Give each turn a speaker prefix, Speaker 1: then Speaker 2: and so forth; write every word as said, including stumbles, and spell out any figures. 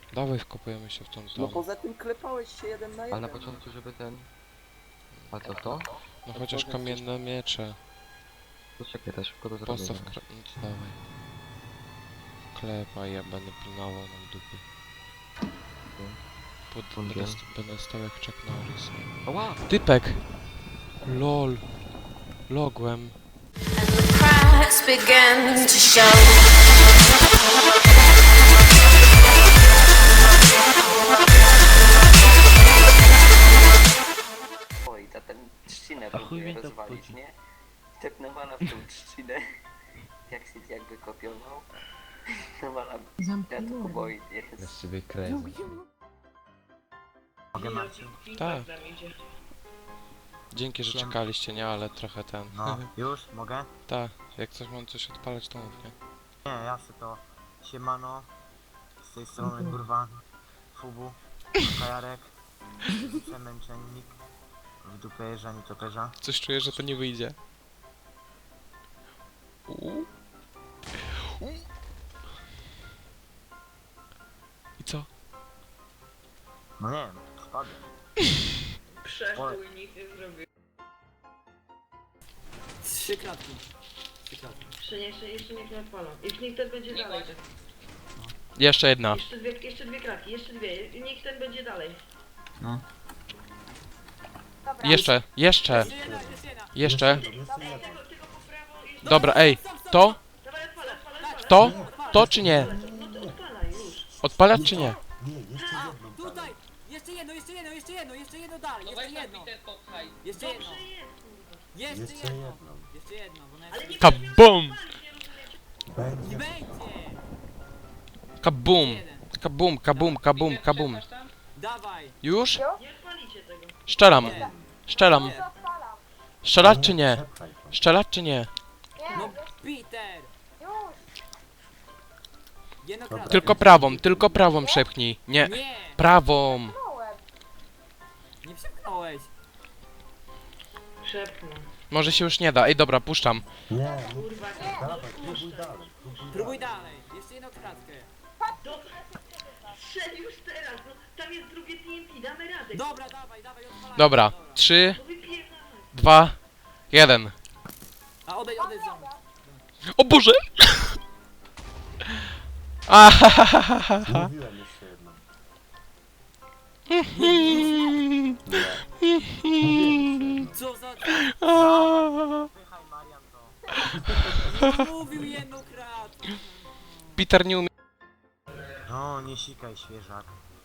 Speaker 1: Dawaj, wkopujemy się w tą
Speaker 2: No
Speaker 1: tą.
Speaker 2: poza tym klepałeś się jeden na
Speaker 3: Ale
Speaker 2: jeden.
Speaker 3: na początku, żeby ten... A co to?
Speaker 1: No chociaż kamienne miecze.
Speaker 3: To czekaj, to szybko to zrobię.
Speaker 1: Postaw
Speaker 3: zaraz.
Speaker 1: kra... No to dawaj. Klepa, ja będę pilnował nam dupy. Pod... Będę,
Speaker 3: Bungiel.
Speaker 1: st będę stał jak Chuck Norris.
Speaker 3: Ała!
Speaker 1: Typek! Lol. Logłem.
Speaker 4: Cracks begin to show.
Speaker 2: Oj, ta ten trzcinę
Speaker 5: A chuj
Speaker 2: próbuje
Speaker 5: mnie to
Speaker 2: rozwalić,
Speaker 5: obchodzi.
Speaker 2: nie? Tepnęła w tą trzcinę. Jak się jakby kopiował. Nawala ja to kuboi
Speaker 3: Ja
Speaker 2: jest.
Speaker 3: z ciebie kręcę.
Speaker 5: Mogę Marcin?
Speaker 1: Tak. Dzięki, że czekaliście, nie? Ale trochę ten...
Speaker 5: No, już? Mogę?
Speaker 1: Tak. Jak coś mam coś odpalać, to mów, nie?
Speaker 5: Nie, ja se to... Siemano. Z tej strony kurwa. Fubu. Kajarek. Przemęczennik. W dupę jeża, nie toperza.
Speaker 1: Coś czuję, że to nie wyjdzie. Uuu. Uuu. I co?
Speaker 5: No nie wiem, spadłem.
Speaker 6: Przeszkół nic nie zrobił.
Speaker 5: Trzy kratki. Trzy kratki.
Speaker 6: Jeszcze, jeszcze, jeszcze niech nie odpalą. I niech ten będzie dalej. Tak.
Speaker 1: Jeszcze jedna.
Speaker 6: Jeszcze dwie, jeszcze dwie kratki, jeszcze dwie. I niech ten będzie dalej.
Speaker 5: No.
Speaker 1: Jeszcze, jeszcze, jeszcze.
Speaker 6: Ej, tego, tego po prawo i...
Speaker 1: Dobra, ej, to,
Speaker 6: Dawaj, odpalaj, odpalaj, odpalaj.
Speaker 1: to, to czy nie?
Speaker 6: No to odpalaj już.
Speaker 1: Odpalać czy nie?
Speaker 7: Tutaj! Jeszcze jedno, jeszcze jedno, jeszcze jedno, jeszcze jedno dalej, jeszcze jedno. Jeszcze jedno.
Speaker 6: Dobrze jest, kurwa.
Speaker 7: Jeszcze jedno. Jeszcze jedno, bo
Speaker 6: Ale
Speaker 7: nawet
Speaker 6: nie
Speaker 1: Kabum!
Speaker 7: nie będzie.
Speaker 1: Kabum! Kabum, kabum, kabum, kabum.
Speaker 7: Dawaj.
Speaker 1: Już?
Speaker 6: Nie odpalicie tego.
Speaker 1: Szczelam,
Speaker 7: Nie.
Speaker 1: szczelam. Strzelać czy nie? Strzelać czy nie?
Speaker 7: No Peter. Jedno kratkę.
Speaker 1: Tylko prawą, tylko prawą przepchnij. Nie,
Speaker 7: Nie.
Speaker 1: prawą.
Speaker 7: Nie przepchnąłeś.
Speaker 6: Szepnę.
Speaker 1: Może się już nie da. Ej, dobra, puszczam.
Speaker 6: Kurwa, nie.
Speaker 7: Próbuj dalej. Jeszcze jedną kratkę.
Speaker 6: Dobra. Strzel już teraz, no. Tam jest drugie T N T, damy radę.
Speaker 7: Dobra, dawaj, dawaj, odpalaj.
Speaker 1: Dobra, trzy,
Speaker 6: No wypierdalaj.
Speaker 1: dwa, jeden.
Speaker 7: A odejdź, odejdź za mną.
Speaker 1: O Boże! Ahahaha.
Speaker 8: Mówiłem jeszcze jedno.
Speaker 7: Co za...
Speaker 1: Aaa.
Speaker 7: Pychaj Marian to. No, mówił jedną kratkę.
Speaker 1: Peter nie umie.
Speaker 5: No, nie sikaj świeżak.